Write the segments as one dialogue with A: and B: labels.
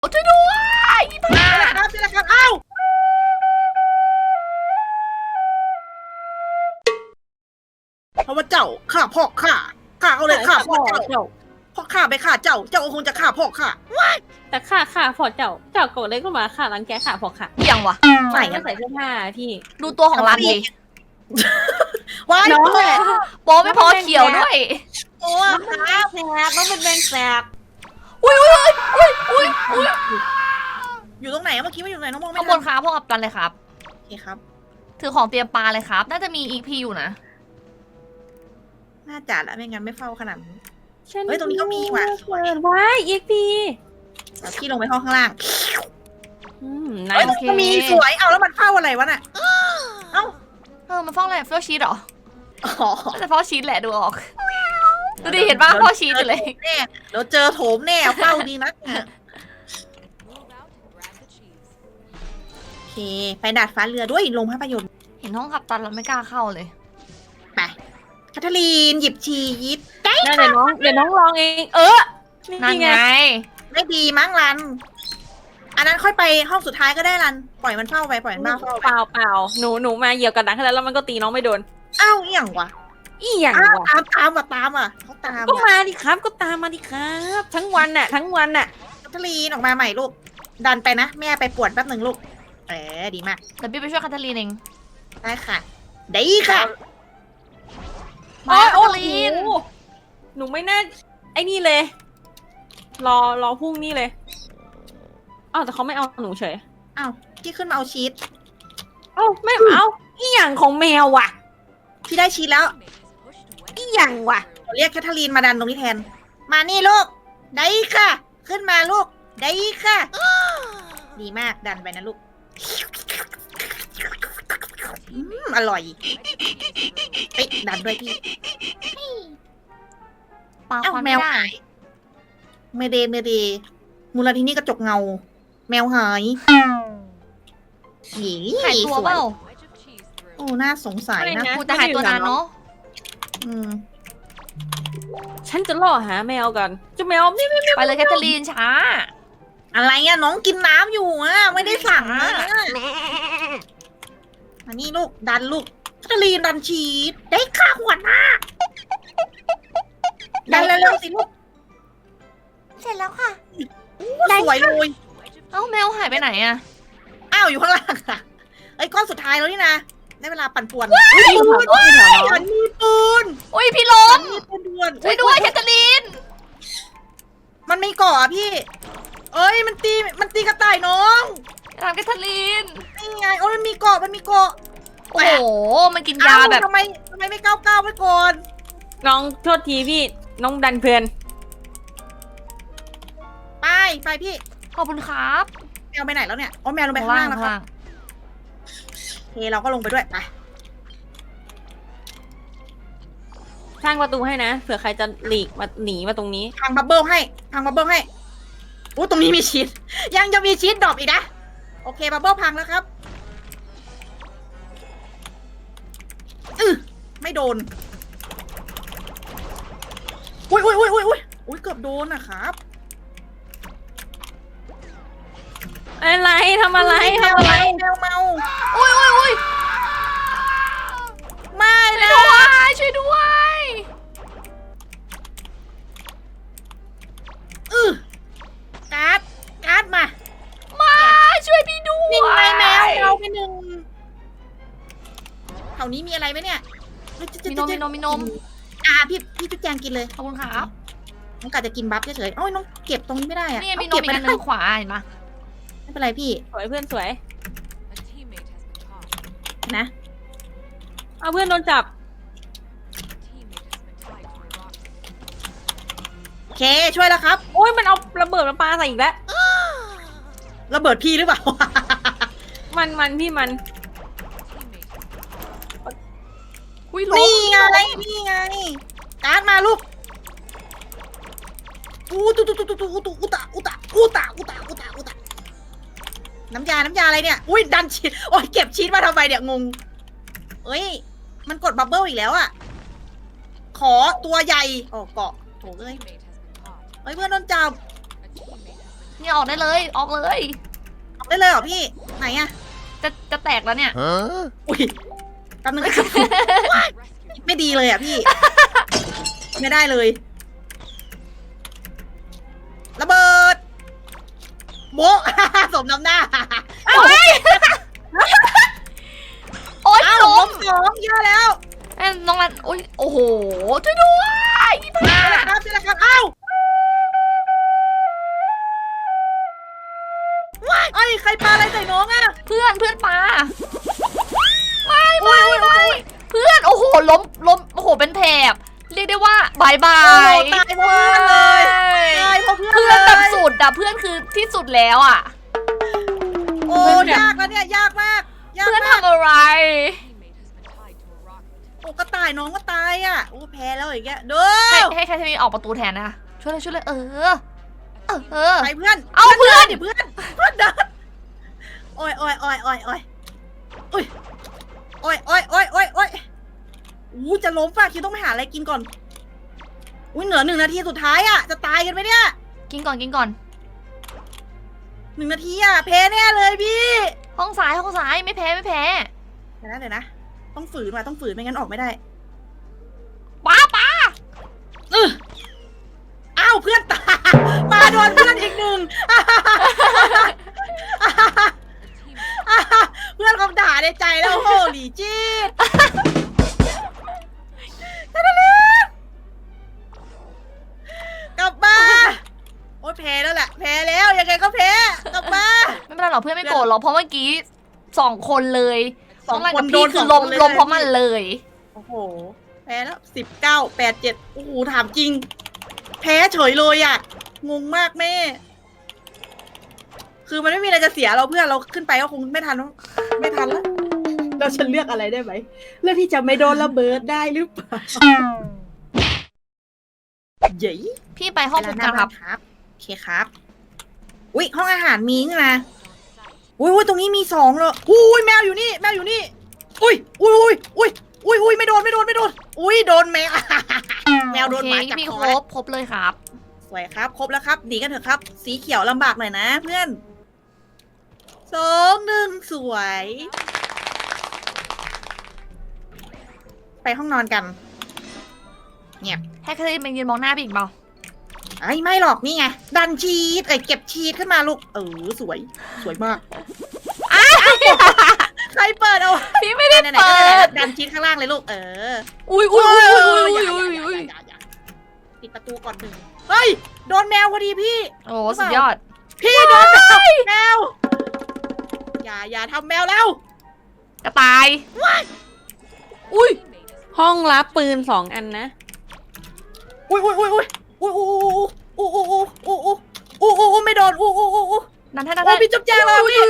A: ช่วยด้วยพี่ผ้า
B: ครับนี่แหละครับอ้าวเพราะว่าเจ้าฆ่าพ่อข้าเอาเลยฆ่าพ่อเจ้าพ่อข้าไปฆ่าเจ้าก็คงจะฆ่าพ่อข้า
C: แต่ข้าพอเจ้าโกรธเลยก็มาข้ารังแกข้าพอค่ะ
A: ยังวะ
B: ใส่
C: ไม่ใส่เสื้อผ้าพี่
A: ดูตัวของรันดิ
B: ว้าย
C: น้อง
B: แม่
A: โป๊ไม่พอเขียวด้วย
B: โอ้
C: น้องเป็นแมงแสบน้องเป็นแมงแสบ
A: อุ้ย
B: อยู่ตรงไหนเมื่อกี้ไม่อยู่ไหนน้องมองไม่
A: ข้างบ
B: ทั
A: นครับพวกกับกันเลยครับ
B: โอเคครับ
A: ถือของเตรียมปลาเลยครับ น่าจะมีอีพีอยู่นะ
B: น่าจัดแล้วไม่งั้นไม่เฝ้าขนาดนี้
C: ฉั
B: เฮ้ยตรงนี้ก็มีว่ะ
C: เปิดไว้อีกพี
B: เดี๋ยวพี่ลงไปห้องข้างล่าง
C: นา
B: เฮ้
C: ย
B: ยก็มีสวยเอาแล้วมันเฝ้าอะไรวะน่ะเอ้า
A: มันฟ้องอะไรเฝ้าชีสเหรอ
B: อ๋อ
A: น่าจะเฝ้าชีสแหละดูออก ดูดิเห็นป่ะเฝ้าชีสอยู่เลย
B: แน่เดี๋ยวเจอโถมแน่เฝ้าดีนักโอเคไปดาดฟ้าเรือด้วยลงภาพยนตร์
A: เห็นห้องขับตันแล้วไม่กล้าเข้าเลย
B: ไปแคทเธอรีนหยิบชีส
C: นั่นเดี๋ยวน้องลองเอง
A: นั่น
C: นี่
A: ไง
B: ไม่ดีมั้งรัน อันนั้นค่อยไปห้องสุดท้ายก็ได้รัน ปล่อยมันเฝ้าไปปล่อยมันบ้าเฝ้าไป
C: เปล่าหนูมาเหยียบกับดักแล้วมันก็ตีน้องไม่โดน
B: อ้าวเอี่ยงวะ
C: อีหยัง
B: อ้าว
C: วะ
B: ตามเขาตาม
C: ก็
B: อ่ะ
C: มาดิครับก็ตามมาดิครับ ทั้งวันน่ะ
B: แคทเธอรีนออกมาใหม่ลูก ดันไปนะแม่ไปปวดแป๊บหนึ่งลูกดีมาก
A: แต่พี่ไปช่วยคาทาลีนเอง
B: ได้ค่ะได้ค่ะ
A: มาคา
C: โอ้
A: ทาลีน
C: โหหนูไม่น่าไอ้นี่เลย รอพรุ่งนี้เลยอ้าวแต่เขาไม่เอาหนูเฉย
B: อ้าวพี่ขึ้นมาเอาชีส
C: เอ้าไม่เอาอีหยังของแมวว่ะ
B: พี่ได้ชีสแล้ว
C: อีหยังว่ะ
B: เรียกแคทเธอรีนมาดันตรงนี้แทน มานี่ลูก ได้ค่ะ ขึ้นมาลูก ได้ค่ะ ดีมากดันไปนะลูกอร่อยเอ้ยดันด้วยพี่
A: ปลา
B: เอ้า
A: ควัน
B: แม
A: ไม่
B: ว
A: ได้
B: หายเมเดมูลนิธิกระจกเงา แมวหายหยี
A: หายตัวเปล่า
B: โอ้น่าสงสัยนะ
A: กูจะหายตัวนานเนาะ
B: อืม
C: ฉันจะล่อหาแมวกันเจ้าแมวนี่
A: ไปเลยแคทเธอรีนช้า
B: อะไรอะน้องกินน้ำอยู่อะไม่ได้สั่งนะอันนี้ลูกดันลูกแคทเธอรีนดันชีสได้ค่ะหัวหน้าดันเร็วๆสิลูก
A: เสร็จแล้วค่ะ
B: สวยเลย
A: เอ้าแมวหายไปไหนอะ
B: อ้าวอยู่ข้างล่างค่ะไอ้ยก้อนสุดท้ายแล้วนี่นะได้เวลาปั่นป่วน ฉันมีปืน
A: อุ้ยพี่ล้
B: ฉั
A: ม
B: นมีปืนด่วน
A: ช่วยด้วยแคทเธอรีน
B: มันไม่ก่ออะพี่ เอ้ยมันตีกระต่ายน้อง
A: ทำแคทเธอรีน
B: นี่ไงโอ้ยมันมีเกาะ
A: โอ้โห มันกินยาแบบ
B: ทำไมไม่ก้าวไว้ก่อน
C: น้องโทษทีพี่น้องดันเพลิน
B: ไปพี่
A: ขอบคุณครับ
B: แมวไปไหนแล้วเนี่ยอ๋อแมวลงไปข้างล่างแล้วครับโอเคเราก็ลงไปด้วยไป
C: สร้างประตูให้นะเผื่อใครจะหลีกมาหนีมาตรงนี้
B: พังบับเบิ้ลให้อู้ตรงนี้มีชีสยังจะมีชีสดรอปอีกนะโอเคบับเบิ้ลพังแล้วครับไม่โดนอุ้ยเกือบโดนนะครับ
C: อะไรทำอะไร
B: แมวเมา
A: อุ้ย
B: ไม่
A: ช่วย
B: นะ
A: ด้วยช่วยด้วย
B: การ์ดมา
A: มาช่วยพี่ด้วย
B: นิ่งไงแมวเราไปหนึ่งแถวนี้มีอะไรไหมเนี่ย
A: มีนม
B: พี่จุ๊แจงกินเลย
A: ขอบคุณครับ
B: น้องกาจะกินบัฟเฉยๆโอ้ยน้องเก็บตรงนี้ไม่ได้อะ
A: นี่มีน
B: เก็
A: ม
B: บ
A: อี
B: ไป
A: กอันหนึงขวาเห็นปะ
B: ไม่เป็นไรพี่
C: สวยเพื่อนสวย
B: นะ
C: เอาเพื่อนโดนจับ
B: โอเคช่วยแล้วครับ
C: โอ้ยมันเอาระเบิดมาปาใส่อีกแล้ว
B: ระเบิดพี่หรือเปล่า
C: มันพี่มัน
A: อุ้ยล้ม
B: นี่ไงการ์ดมาลูกน้ำยาอะไรเนี่ยอุ้ยดันชีสโอ้ยเก็บชีสมาทำไมเนี่ยงงเอ้ยมันกดบับเบิ้ลอีกแล้วอะขอตัวใหญ่โอ้เกาะโถเอ้ยเพื่อนโดนจับ
A: เนี่ยออกได้เลยออกเลย
B: ออกได้เลยเหรอพี่ไหนอะ
A: จะแตกแล้วเนี่ย
B: อุ้ยแป๊บนึง ไม่ดีเลยอ่ะพี่ ไม่ได้เลยระเบิดโบ๊ะ สมน้ำหน้า
A: โอ๊ย โอ๊ย
B: อ้าว
A: ล้
B: ล้
A: ม
B: มสองเยอะแล้ว
A: น้องรันโอ๊ยโอ้โหช่วยด้วยพี่
B: นี่
A: พา
B: แหละครับนี่แหละครับอ้าวว้ายเอ้ยใครปาอะไรใส่น้องอ่ะ
A: เพื่อนปาไม่เพื่อนโอ้โหล้มโอ้โหเป็นแถบเรียกได้ว่าบายบา
B: โอ้โห
A: ย
B: ตายเพราะเพื่อนเลยตายเพราะเพื่อน
A: เพื่อนแบบสุดอะเพื่อนคือที่สุดแล้วอะ
B: โอ้ยากแล้วเนี่ยยากมากยาก
A: เพื่อน
B: มาก
A: ทำอะไร
B: โอ้กระต่ายน้องก็ตายอ่ะโอ้แพ้แล้วอย่างเงี้ยเด้อ
A: ให้ใครที่มีออกประตูแทนนะช่วยเลยเออ
B: ไปเพื่อน
A: เอาเพื่อน
B: ดิเพื่อนเดินโอ้ยอุ้ยโอ้ยอู้จะล้มฝ่าคิวต้องไปหาอะไรกินก่อนอุ้ยเหลือ1 นาทีสุดท้ายอ่ะจะตายกันไหมเนี่ย
A: กินก่อน
B: 1 นาทีอ่ะแพ้แน่เลยพี่
A: ห้องซ้ายไม่แพ้
B: เดี๋ยวนะต้องฝืนว่ะต้องฝืนไม่งั้นออกไม่ได้
A: ป้า
B: อ้าวเพื่อนตายมาโดนเพื่อนอีกหนึ่ง เพื่อนคำด่าในใจแล้วโหหลีจีดกลับมาโอ้ยแพ้แล้วแหละแพ้แล้วยังไงก็แพ้กลับมา
A: ไม่เป็นไรหรอกเพื่อนไม่โกรธหรอกเพราะเมื่อกี้2 คนเลย
B: สอง
A: รัน
B: ค
A: กับ
B: นโด
A: พี่
B: น
A: คือ
B: ส
A: ล้
B: อง
A: ม
B: คนเลย
A: ล้มเพราะมันเลย
B: โอ้โหแพ้แล้ว19 8 7โอ้โหถามจริง แพ้เฉยเลยอ่ะงงมากแม่ คือมันไม่มีอะไรจะเสียเราเพื่อนเราขึ้นไปก็คงไม่ทันแล้วเราฉันเลือกอะไรได้ไหมเลือกที่จะไม่โดนระเบิดได้หรือเปล่าเย้
A: พี่ไปห้องฝึกกันครับ
B: โอเคครับอุ้ยห้องอาหารมีนี่นะอุ้ยตรงนี้มี2เลยอุ้ยแมวอยู่นี่อุ้ยไม่โดนอุ้ยโดนแมว แมวโดนหมาจับ
A: พี่
B: คอ
A: ครบเลยครับ
B: สวยครับครบแล้วครับหนีกันเถอะครับ สีเขียวลำบากหน่อยนะเพื่อน2 1สวย ไปห้องนอนกันเงียบ
A: ให้ใครมายืนมองหน้าพี่อีกเปล่า
B: ไอ้ไม่หรอกนี่ไงดันชีสเก็บชีสขึ้นมาลูกสวยมากใครเปิดเอา
A: พี่ไม่ได้
B: ไหน
A: เปิด
B: ดันชีสข้างล่างเลยลูก
A: อุ้ย
B: ปิดประตูก่อน1เฮ้ยโดนแมวพอดีพี่
A: โอ้สุดยอด
B: พี่โดนแมวอย่าทำแมวแล้ว
A: กระต่ายอุ้ย
C: ห้องรับปืน2 อันนะ
B: อุ้ยไม่โดน
A: นั่น
B: โอ้พี่จุ๊บแจงเลยพี่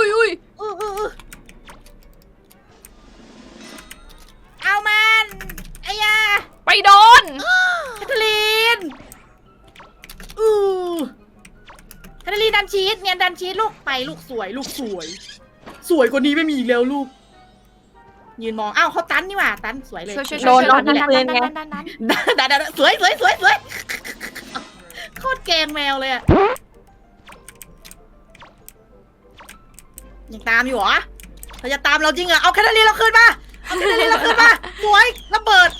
B: เอามันไอ้ยา
A: ไปโดน
B: แคทเธอรีนแคทเธอรีนดันชีสเนี่ยดันชีสลูกไปลูกสวยสวยกว่านี้ไม่มีอีกแล้วลูกยืนมองอ้าวเขาตันนี่หว่าตันสวยเลย
A: ช่วย
C: โดน
A: ดัน
B: สวยโคตรแกงแมวเลยอะยังตามอยู่เหรอเธอจะตามเราจริงเหรอเอาแคทเธอรีนเราคืนมาสวยระเบิด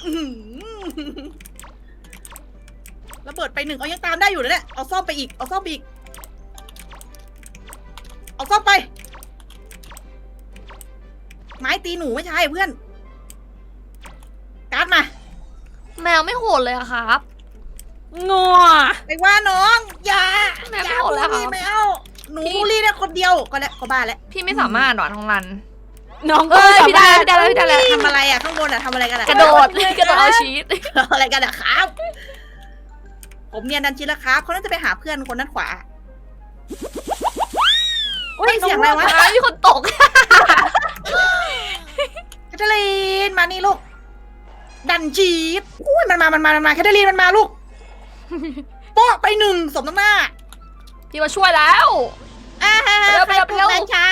B: ระเบิดไป1เอายังตามได้อยู่นะเนี่ยเอาซ่อมไปอีกเอาซ่อมไปไม้ตีหนูไม่ใช่เพื่อนการ์ดมา
A: แมวไม่โหดเลยอะครับ
C: งัว
B: ไปว่าน้องอย่า
A: แมวไม่โหดแล้ว
B: บูลลี่แมวหนูบูลลี่ได้คนเดียวก็บ้าแล้ว
A: พี่ไม่สามารถหรอท้องรัน
C: น้อง
A: เอ้
C: ก็
A: ย
C: สา
A: พี่
C: มารถ
A: ได้แล้ว
B: ทำอะไรอะข้างบนอะทำอะไรกันอะ
A: กระโดดเอาชีส
B: อะไรกันอะครับ ผมเนียนดันชินแล้วครับเขาน่าจะไปหาเพื่อนคนด้านขวาโอ้ยเสียงอะไรวะ
A: มีคนตก
B: แคทเธอรีนมานี่ลูกดันชีสอุ้ยมันมาแคทเธอรีนมันมาลูกโป๊ะไป1สมน้ำหน้า
A: พี่มาช่วยแล้ว
B: ไปเร็วช้า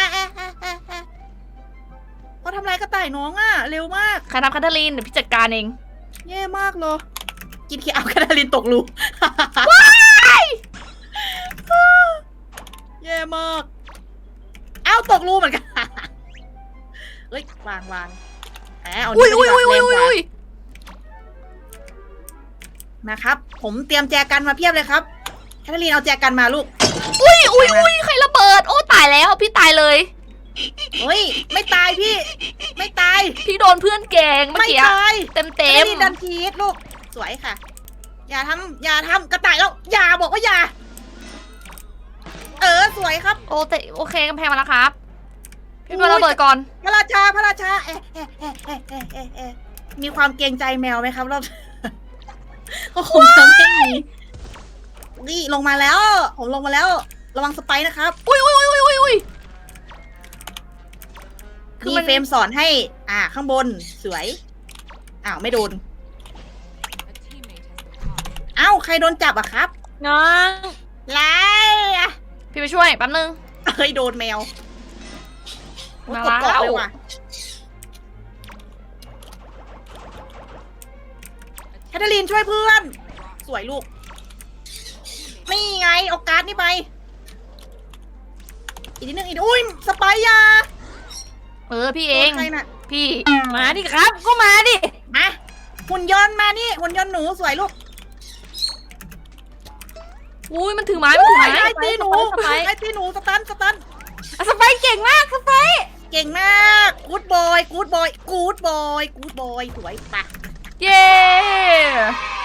B: เขาทำอะไรกระต่ายน้องอะเร็วมาก
A: ใครทำแคทเธอรีนเดี๋ยวพี่จัดการเอง
B: แย่มากเลยกินขี้เอาแคทเธอรีนตกรูแย่มาก เอ้าตกรูเหมือนกัน เฮ้ยวางแหมเอา
A: อุ้ย
B: นี่
A: อุ้ย
B: ไป
A: อุ้ย
B: ดีกว่า
A: อุ้ย
B: แรงกว่า
A: อุ้ย
B: นะครับ ผมเตรียมแจกันมาเพียบเลยครับแคทเธอรีนเอาแจกันมาลูก
A: อุ้ยอุ้ยอุ้ยใครระเบิด โอ้ตายแล้วพี่ตายเลย
B: เฮ้ย ไม่ตายพี่ ไม่ตาย
A: พี่โดนเพื่อนแกล้งเมื่อ
B: ไม่
A: กี้
B: ตาย
A: เต็ม
B: แคท
A: เต็
B: เธอ
A: ม
B: รีนดันทีสลูก สวยค่ะ อย่าทำกระต่ายแล้ว อย่าบอกว่าอย่า สวยครับ
A: โอเคกำแพงมาแล้วครับ พี่มาระเบิดก่อน
B: พระราชามีความเกรงใจแมวไหมครับรอบ ก็คงจะไม่มีนี่ลงมาแล้ว ผมลงมาแล้ว ระวังสไปร์นะครับ
A: อุ้ยอุ้ยอุ้ยอุ้ยอุ้ย คือ
B: มี
A: มัน
B: เฟรมสอนให้ ข้างบนสวย อ้าว ไม่โดน อ้าวใครโดนจับอะครับ
C: น้อง
B: ไล่อะ
A: พี่ไปช่วยแป๊บนึง
B: เฮ้ยโดนแมวโอ้ย
A: มาก
B: ดเกาะ
A: แล้ว
B: เลยว่ะแคทเธอรีนช่วยเพื่อน สวยลูก นี่ไงเอาการ์ดนี่ไป อีกนิดนึงอีกนิดอุ้ยสไปร์ยา
A: พี่เอง
B: โดนใครน่ะ
A: พี่
C: มาดิครับ ก็มาดิ
B: มาหุ่นยนต์มานี่หุ่นยนต์หนูสวยลูก
A: อุ้ยมันถือไม้มันถือไม้
B: ไอ้ตีหนู
A: สไปร์
B: ไอ้ตีหนูสตัน
C: อ่ะสไปร์เก่งมากสไปร์
B: เก่งมากกูดบอยสวยปะ
A: เย้